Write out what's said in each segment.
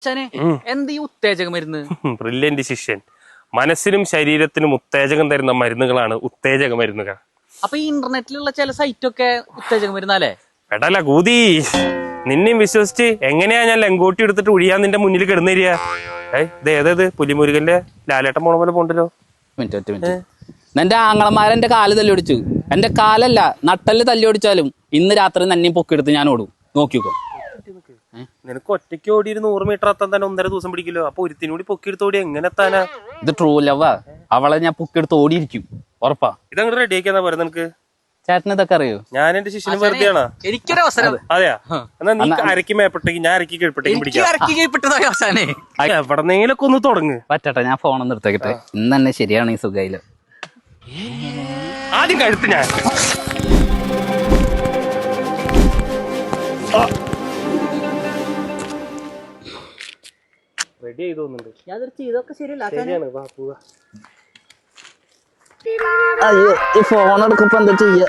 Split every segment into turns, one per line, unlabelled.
എന്ത് ഈ ഉത്തേജക മരുന്ന്?
ബ്രില്യന്റ് ശിഷ്യൻ. മനസ്സിനും ശരീരത്തിനും ഉത്തേജകം തരുന്ന മരുന്നുകളാണ് ഉത്തേജക മരുന്നുകൾ.
അപ്പൊ ഈ ഇന്റർനെറ്റിലുള്ള ചില സൈറ്റ് ഒക്കെ ഉത്തേജക മരുന്നല്ലേ?
എടല കൂതി, നിന്നെയും വിശ്വസിച്ച് എങ്ങനെയാ ഞാൻ ലങ്കോട്ടി എടുത്തിട്ട് ഒഴിയാൻ നിന്റെ മുന്നിൽ കിടന്നേരിയ? ഏതേത് പുലിമുരുകന്റെ ലാലേട്ടൻ പോണ പോലെ പോണ്ടല്ലോ.
എന്റെ ആങ്ങളമാരെന്റെ കാല് തല്ലി ഓടിച്ചു. എന്റെ കാലല്ല നട്ടല് തല്ലി ഓടിച്ചാലും ഇന്ന് രാത്രി നന്നെയും പൊക്കിയെടുത്ത് ഞാൻ ഓടും. നോക്കിക്കോ.
നിനക്ക് ഒറ്റയ്ക്ക് ഓടി 100 മീറ്റർ എത്താൻ തന്നെ 1.5 ദിവസം പിടിക്കല്ലോ. അപ്പൊ ഒരുത്തിനൂടി പൊക്കിയെടുത്ത് ഓടി എങ്ങനെ എത്താനാ?
ഇത് ട്രൂ ലവാ. അവളെ ഞാൻ പൊക്കിയെടുത്ത് ഓടിയിരിക്കും, ഉറപ്പാ.
ഇതങ്ങോട്ട് റെഡി ആക്കിയാ പോരെ നിനക്ക്?
ചേട്ടന് ഇതൊക്കെ അറിയോ?
ഞാൻ എന്റെ ശിഷ്യന് വെറുതെയാണോ?
എനിക്കൊരു അവസരം.
അതെയാ? എന്നാ നീ അരക്കി മേപ്പെട്ടേക്ക്, ഞാൻ അരക്കി കീഴ്പ്പെട്ടേക്കും പിടിക്കാം. എവിടെന്നെങ്കിലൊക്കെ ഒന്ന് തുടങ്ങ്.
പറ്റട്ടെ, ഞാൻ ഫോണൊന്ന് എടുത്തേക്കട്ടെ. ഇന്ന് തന്നെ ശരിയാണ് ഈ സുഖയില്.
ആദ്യം കഴുത്ത് ഞാൻ റെഡി ആയി തോന്നുന്നുണ്ട്. ശരിയാണ്, വാ പോവാ.
അയ്യോ, ഈ ഫോൺ എടുക്കുമ്പോ എന്താ ചെയ്യ?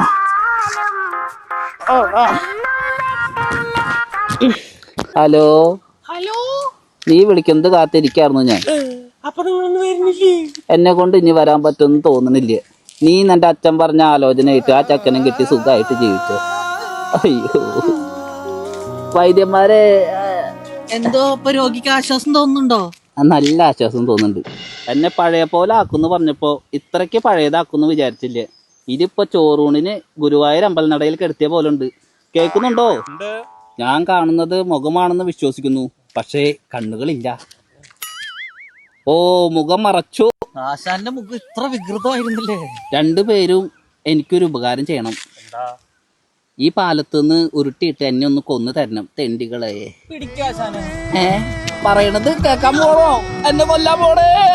ഹലോ
ഹലോ,
നീ വിളിക്കുന്നത് കാത്തിരിക്കായിരുന്നു ഞാൻ.
അപ്പൊ നിങ്ങളൊന്നും വരുന്നില്ലേ?
എന്നെ കൊണ്ട് ഇനി വരാൻ പറ്റുമെന്ന് തോന്നണില്ല. നീ നിന്റെ അച്ഛൻ പറഞ്ഞ ആലോചനയായിട്ട് ആ ചക്കനും കിട്ടി സുഖമായിട്ട് ജീവിച്ചോ. അയ്യോ വൈദ്യന്മാരെ,
എന്തോ ഇപ്പൊ രോഗിക്ക് ആശ്വാസം തോന്നുന്നുണ്ടോ?
നല്ല ആശ്വാസം തോന്നുന്നുണ്ട്. എന്നെ പഴയ പോലെ ആക്കുന്ന് പറഞ്ഞപ്പോ ഇത്രയ്ക്ക് പഴയതാക്കുന്ന് വിചാരിച്ചില്ല. ഇതിപ്പോ ചോറൂണിന് ഗുരുവായൂർ അമ്പലനടയിൽ കിടത്തിയ പോലെ ഉണ്ട്. കേൾക്കുന്നുണ്ടോ? ഞാൻ കാണുന്നത് മുഖമാണെന്ന് വിശ്വസിക്കുന്നു, പക്ഷേ കണ്ണുകളില്ല. ഓ, മുഖം മറച്ചു.
ആശാന്റെ മുഖം ഇത്ര വികൃതമായിരുന്നില്ലേ?
രണ്ടുപേരും എനിക്കൊരു ഉപകാരം ചെയ്യണം. ഈ പാലത്തുനിന്ന് ഉരുട്ടിയിട്ട് എന്നെ ഒന്ന് കൊന്നു തരണം, തെണ്ടികളെ. പറയണത് കേക്കാൻ പോണോ? എന്നെ കൊല്ലാൻ പോണേ.